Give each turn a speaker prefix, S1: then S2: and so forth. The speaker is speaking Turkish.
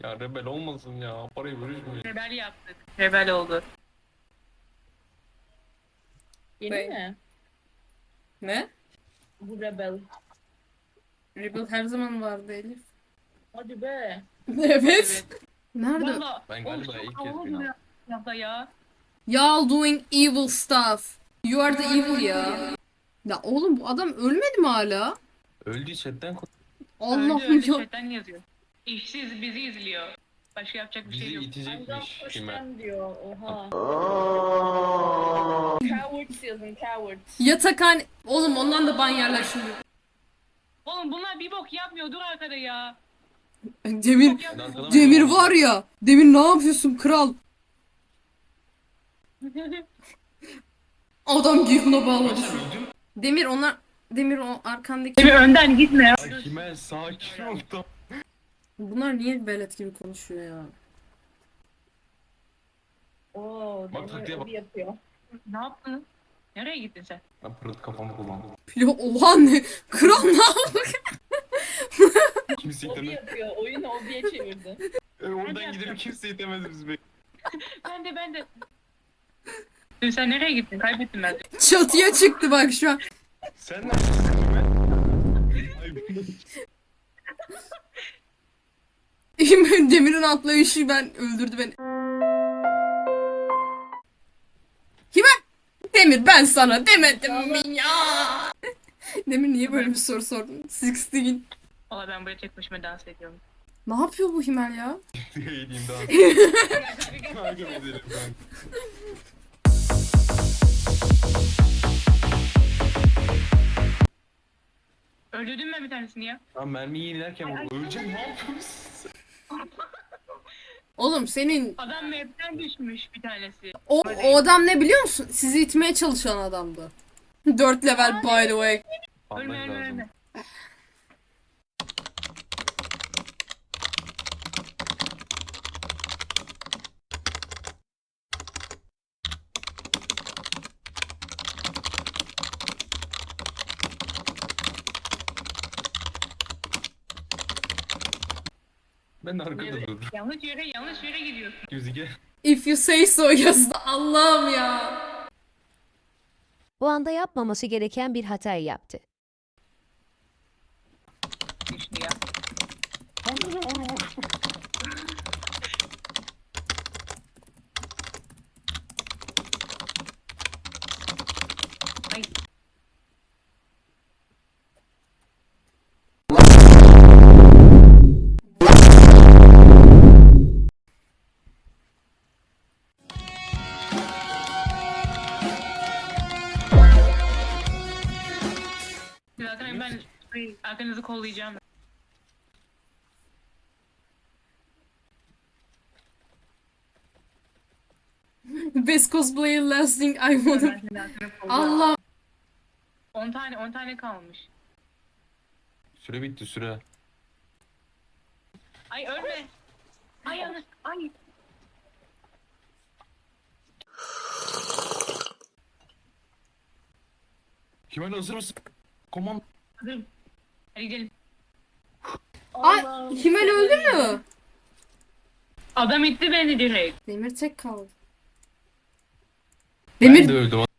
S1: Ya rebel olmasın ya. Parayı bölüşmeyin.
S2: Rebel yaptık. Rebel oldu.
S3: Yeni
S4: Bey.
S3: mi?
S4: Ne?
S3: Bu Rebel.
S4: Rebel her zaman vardı Elif.
S3: Hadi be.
S4: Evet. Nerede?
S2: Valla.
S1: Ben galiba
S2: çok
S1: ilk kez
S2: havalı
S1: bin
S2: duruyor abla ya.
S4: Y'all doing evil stuff. You are the evil ya. Ya oğlum bu adam ölmedi mi hala?
S1: Öldü chatten
S4: Allah'ım
S2: öldü
S4: ya.
S2: chatten yazıyor. İşsiz bizi izliyor. Başka yapacak bir
S1: bizi
S2: şey yok.
S3: I'm
S1: itecekmiş
S3: gonna push
S1: kime?
S3: them diyor. Oha. Cowards yazın cowards.
S4: Yatakhane... Oğlum ondan da ban yerler şimdi.
S2: Oğlum bunlar bir bok yapmıyor. Dur arkada ya.
S4: Demir...
S2: Bok yapmıyor.
S4: Demir var ya. Demir ne yapıyorsun kral? Adam Gihun'a bağladı. Demir onlar... Demir o arkandaki...
S2: Şimdi önden gitme ya.
S1: Ay kime sakin ol da.
S4: Bunlar niye velet gibi konuşuyor ya?
S3: Oo,
S1: Bak taktiğe
S3: Demir
S1: bak.
S3: öyle yapıyor.
S2: Ne yaptın? Nereye gittin sen?
S1: Ben pırıt kafamı kullandım.
S4: Ya oha ne? Kral ne yaptı?
S1: Kimse
S3: Obi
S1: itemez.
S3: yapıyor. Oyunu Obi'ye çevirdi.
S1: Oradan gidelim kimse itemez bizi be.
S2: Ben de. Dün sen nereye gittin? Kaybettim ben.
S4: Çatıya çıktı bak şu an.
S1: Sen neredesin kime? Ay
S4: Demir'in atlayışı ben öldürdü beni. Kime? Demir ben sana demedim mi ya? Demir niye böyle bir soru sordun? 16.
S2: Valla ben buraya tek başıma dans ediyorum.
S4: Ne yapıyor bu Himal ya?
S1: diye diyeyim daha. Kanka edelim ben.
S2: Öldürdün mü bir tanesini ya?
S1: Lan mermiyi yenilerken öleceğim ne yapıyorsun?
S4: Oğlum senin
S2: Adam map'ten düşmüş bir tanesi.
S4: o adam ne biliyor musun? Sizi itmeye çalışan adamdı. 4 level by the way.
S2: Ölme
S1: Almak
S2: ölme
S1: lazım.
S2: ölme.
S1: Ben de arkada dururum.
S2: Yanlış yere gidiyorsun.
S1: Yüzüge.
S4: If you say so yazdı. Allah'ım ya.
S5: O anda yapmaması gereken bir hatayı yaptı.
S2: Düştü ya. Ay. Zaten ben arkanızı kollayacağım.
S4: Best cosplayer lasting I wanna...
S2: Ben senin arkanı kollayacağım.
S4: Allah.
S2: 10 tane kalmış.
S1: Süre bitti süre.
S2: Ay ölme. Ay yanlış. Ay.
S1: Kemal hazır mısın? Komand.
S2: Hazırım. Hadi gidelim.
S4: Ay
S3: Allah'ım.
S4: Himal öldü mü?
S2: Adam itti beni direkt.
S4: Demir tek kaldı.
S1: Ben
S4: Demir
S1: de öldüm.